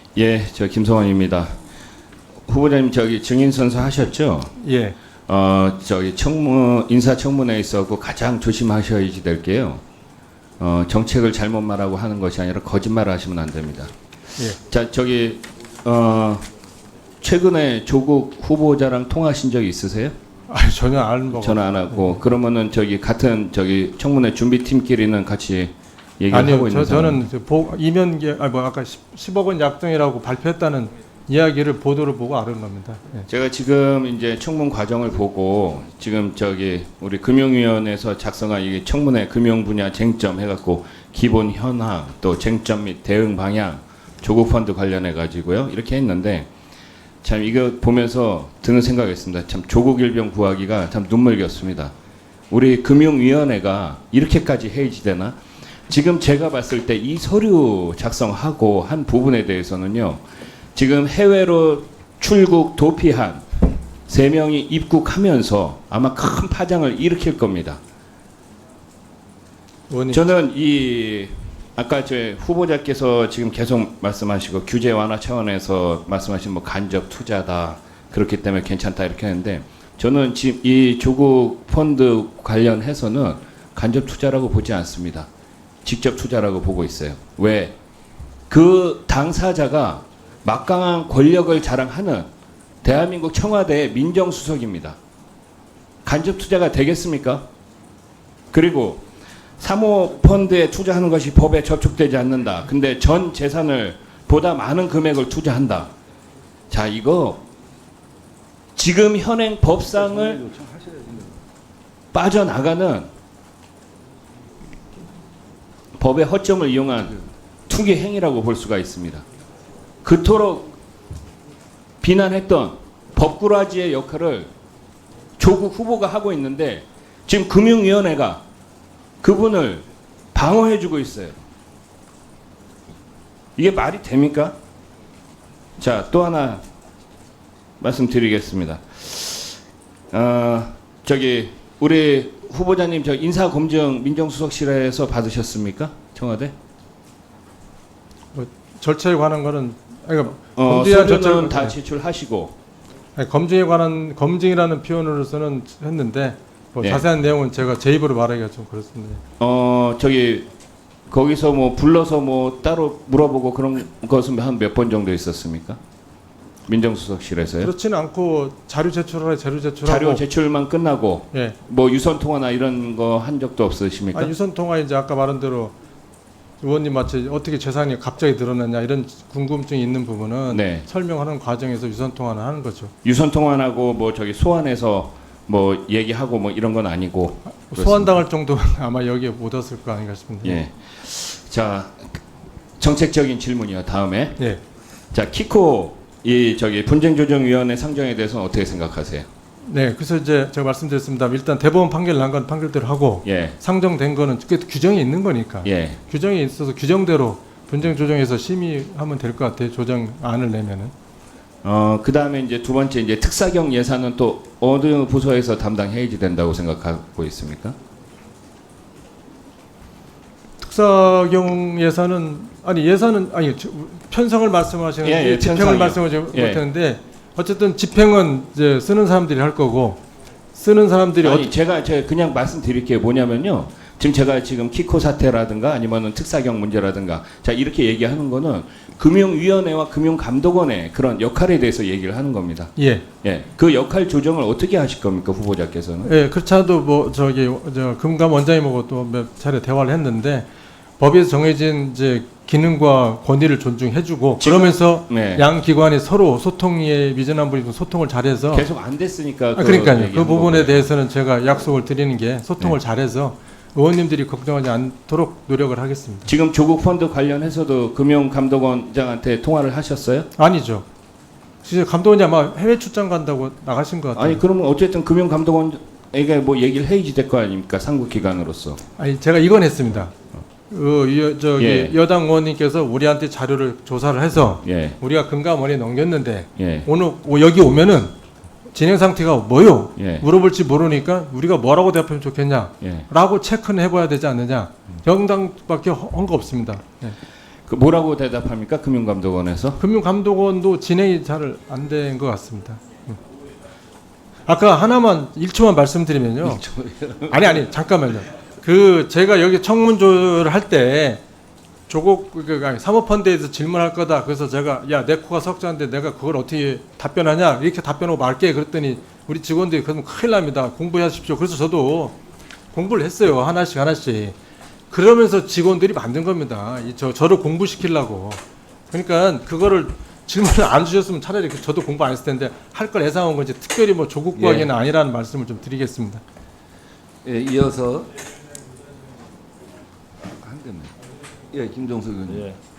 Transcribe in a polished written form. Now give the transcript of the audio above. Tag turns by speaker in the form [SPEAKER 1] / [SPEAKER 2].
[SPEAKER 1] 예, 저 김성원입니다. 후보자님 저기 증인 선서 하셨죠?
[SPEAKER 2] 예.
[SPEAKER 1] 저기 인사청문회에 있어서 가장 조심하셔야지 될 게요. 정책을 잘못 말하고 하는 것이 아니라 거짓말을 하시면 안 됩니다.
[SPEAKER 2] 예.
[SPEAKER 1] 자, 저기 최근에 조국 후보자랑 통화하신 적 있으세요?
[SPEAKER 2] 아니, 전혀 안 먹어.
[SPEAKER 1] 전화 안 하고 그러면은 저기 같은 저기 청문회 준비팀끼리는 같이 얘기를 하고 있는
[SPEAKER 2] 저는 이면계 아까 10억 원 약정이라고 발표했다는 이야기를 보도를 보고 알은 겁니다. 예.
[SPEAKER 1] 제가 지금 이제 청문 과정을 보고 지금 저기 우리 금융위원회에서 작성한 이게 청문회 금융 분야 쟁점 해갖고 기본 현황 또 쟁점 및 대응 방향 조국 펀드 관련해 가지고요 이렇게 했는데 참 이거 보면서 드는 생각이었습니다. 참 조국 일병 구하기가 참 눈물겼습니다. 우리 금융위원회가 이렇게까지 해이지되나? 지금 제가 봤을 때 이 서류 작성하고 한 부분에 대해서는요. 지금 해외로 출국 도피한 3명이 입국하면서 아마 큰 파장을 일으킬 겁니다. 저는 이 아까 제 후보자께서 지금 계속 말씀하시고 규제 완화 차원에서 말씀하신 뭐 간접 투자다 그렇기 때문에 괜찮다 이렇게 했는데 저는 지금 이 조국 펀드 관련해서는 간접 투자라고 보지 않습니다. 직접 투자라고 보고 있어요. 왜? 그 당사자가 막강한 권력을 자랑하는 대한민국 청와대의 민정수석입니다. 간접 투자가 되겠습니까? 그리고 사모펀드에 투자하는 것이 법에 저촉되지 않는다. 근데 전 재산을 보다 많은 금액을 투자한다. 자, 이거 지금 현행 법상을 빠져나가는 법의 허점을 이용한 투기 행위라고 볼 수가 있습니다. 그토록 비난했던 법꾸라지의 역할을 조국 후보가 하고 있는데 지금 금융위원회가 그분을 방어해주고 있어요. 이게 말이 됩니까? 자, 또 하나 말씀드리겠습니다. 저기 우리 후보자님 저 인사검증 민정수석실에서 받으셨습니까? 청와대?
[SPEAKER 2] 뭐 절차에 관한 거는
[SPEAKER 1] 서류는 다 제출하시고
[SPEAKER 2] 검증에 관한 검증이라는 표현으로서는 했는데 뭐
[SPEAKER 1] 예.
[SPEAKER 2] 자세한 내용은 제가 제 입으로 말하기가 좀 그렇습니다.
[SPEAKER 1] 저기 거기서 뭐 불러서 뭐 따로 물어보고 그런 것은 한 몇 번 정도 있었습니까? 민정수석실에서요?
[SPEAKER 2] 그렇지는 않고 자료 제출하고
[SPEAKER 1] 자료 제출만 끝나고
[SPEAKER 2] 예.
[SPEAKER 1] 뭐 유선 통화나 이런 거 한 적도 없으십니까?
[SPEAKER 2] 유선 통화 이제 아까 말한 대로 의원님 마치 어떻게 재산이 갑자기 늘어났냐 이런 궁금증이 있는 부분은
[SPEAKER 1] 네.
[SPEAKER 2] 설명하는 과정에서 유선 통화는 하는 거죠.
[SPEAKER 1] 유선 통화하고 뭐 저기 소환해서 뭐 얘기하고 뭐 이런 건 아니고
[SPEAKER 2] 소환당할 정도는 아마 여기에 못 왔을 거 아닌가 싶은데.
[SPEAKER 1] 예. 자, 정책적인 질문이요. 다음에.
[SPEAKER 2] 예.
[SPEAKER 1] 자, 키코 이 저기 분쟁조정위원회 상정에 대해서는 어떻게 생각하세요?
[SPEAKER 2] 네, 그래서 이제 제가 말씀드렸습니다. 일단 대법원 판결 난 건 판결대로 하고
[SPEAKER 1] 예.
[SPEAKER 2] 상정된 거는 규정이 있는 거니까.
[SPEAKER 1] 예.
[SPEAKER 2] 규정이 있어서 규정대로 분쟁 조정에서 심의하면 될 것 같아요. 조정안을 내면은.
[SPEAKER 1] 그 다음에 이제 두 번째 이제 특사경 예산은 또 어느 부서에서 담당해야지 된다고 생각하고 있습니까?
[SPEAKER 2] 특사경 예산은 편성을 말씀하시는
[SPEAKER 1] 예,
[SPEAKER 2] 집행을
[SPEAKER 1] 편성이요.
[SPEAKER 2] 말씀하지
[SPEAKER 1] 예.
[SPEAKER 2] 못했는데 어쨌든 집행은 이제 쓰는 사람들이 할 거고 쓰는 사람들이
[SPEAKER 1] 아니, 제가 그냥 말씀드릴게요. 뭐냐면요. 제가 지금 키코 사태라든가 아니면은 특사경 문제라든가 자 이렇게 얘기하는 거는 금융위원회와 금융감독원의 그런 역할에 대해서 얘기를 하는 겁니다.
[SPEAKER 2] 예.
[SPEAKER 1] 예. 그 역할 조정을 어떻게 하실 겁니까, 후보자께서는?
[SPEAKER 2] 예, 그렇지 않아도 뭐 저 금감 원장님하고 또 몇 차례 대화를 했는데 법에서 정해진 이제 기능과 권위를 존중해주고 그러면서
[SPEAKER 1] 네.
[SPEAKER 2] 양 기관이 서로 소통에 미진한 분이 소통을 잘해서
[SPEAKER 1] 계속 안 됐으니까.
[SPEAKER 2] 그러니까요. 그 부분에
[SPEAKER 1] 거고요.
[SPEAKER 2] 대해서는 제가 약속을 드리는 게 소통을
[SPEAKER 1] 네.
[SPEAKER 2] 잘해서 의원님들이 걱정하지 않도록 노력을 하겠습니다.
[SPEAKER 1] 지금 조국 펀드 관련해서도 금융감독원장한테 통화를 하셨어요?
[SPEAKER 2] 아니죠. 진짜 감독원이 아마 해외 출장 간다고 나가신 것 같아요.
[SPEAKER 1] 아니 그러면 어쨌든 금융감독원에게 뭐 얘기를 해야지 될 거 아닙니까, 상국기관으로서.
[SPEAKER 2] 아니 제가 이건 했습니다.
[SPEAKER 1] 예.
[SPEAKER 2] 여당 의원님께서 우리한테 자료를 조사를 해서
[SPEAKER 1] 예.
[SPEAKER 2] 우리가 금감원에 넘겼는데
[SPEAKER 1] 예.
[SPEAKER 2] 오늘 여기 오면은 진행 상태가 뭐요?
[SPEAKER 1] 예.
[SPEAKER 2] 물어볼지 모르니까 우리가 뭐라고 대답하면 좋겠냐?
[SPEAKER 1] 예.
[SPEAKER 2] 라고 체크는 해봐야 되지 않느냐? 정당밖에 한 거 없습니다. 예.
[SPEAKER 1] 그 뭐라고 대답합니까? 금융감독원에서?
[SPEAKER 2] 금융감독원도 진행이 잘 안 된 것 같습니다. 아까 하나만 1초만 말씀드리면요. 아니 잠깐만요. 그 제가 여기 청문조를 할 때 조국 사모펀드에서 질문할 거다. 그래서 제가 야 내 코가 석자인데 내가 그걸 어떻게 답변하냐 이렇게 답변하고 말게 그랬더니 우리 직원들이 그러면 큰일 납니다. 공부하십시오. 그래서 저도 공부를 했어요. 하나씩. 그러면서 직원들이 만든 겁니다. 저를 공부시키려고. 그러니까 그거를 질문을 안 주셨으면 차라리 저도 공부 안 했을 텐데 할 걸 예상한 건지 특별히 뭐 조국 구하기는 아니라는 말씀을 좀 드리겠습니다.
[SPEAKER 3] 예, 이어서 한 대만. 예, 김종석 의원님.
[SPEAKER 4] 예.